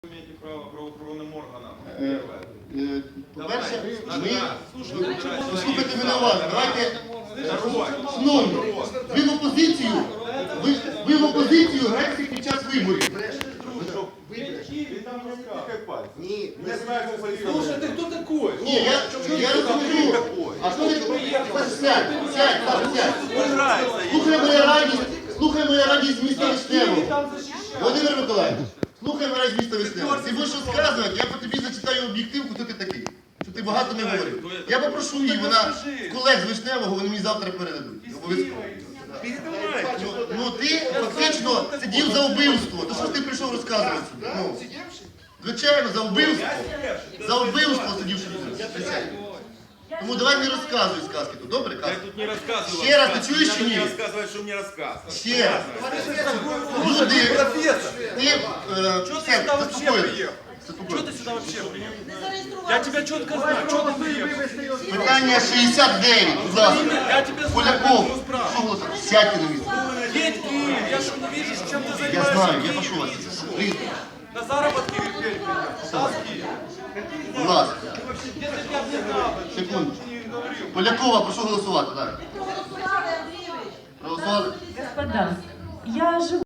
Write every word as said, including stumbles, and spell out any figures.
Имеете право правоохоронным органам. По-перше, ми... Слухайте мене уважно. Давайте... Шановні, ви в опозицію, ви, ви в опозицію граєте під час виборів. Ні, не знаю, Слушай, ты кто такой? Ні, я, я розумію. А що ви... Сядь, сядь, Саша, сядь. Слухай моя радість, слухай моя радість з міста Вишневого. Володимир Миколаївич, слухай моя радість з міста Вишневого. Ти будеш розказувати, я по тобі зачитаю об'єктивку, хто ти такий. Що ти багато не говорив. Я попрошу її, вона колег з Вишневого, вони мені завтра передадуть. Обов'язково. Ну, ну ти фактично сидів за вбивство. То що ж ти прийшов розказувати? Ну, звичайно, за вбивство. За вбивство сидів сюди. Тому давай не розказуй сказки тут, добре? Я тут не рассказываю. Ще раз, ти чуєш чи ні? Не рассказывай, что мне рассказывать. Ще раз. Люди, ти, е, все, заспокоїтесь. Что ты сюда вообще приехал? Я тебя четко знаю, что ты приехал? Питання шістдесят дев'ять, будь ласка. Я тебя знаю, Поляков, поэтому спрашиваю. що голосує? Сядьте на місце. Едь в Киев, я что не вижу, чем ты Я занимаешься. знаю, в я Киеве. прошу вас. Прийдіть, На заработки в Киеве. Да, в Киев. будь ласка. Если бы я не знал, Секунду. не говорил. Полякова, прошу голосувати. Так. Проголосували, Андрійович. Проголосували? Господа, я живу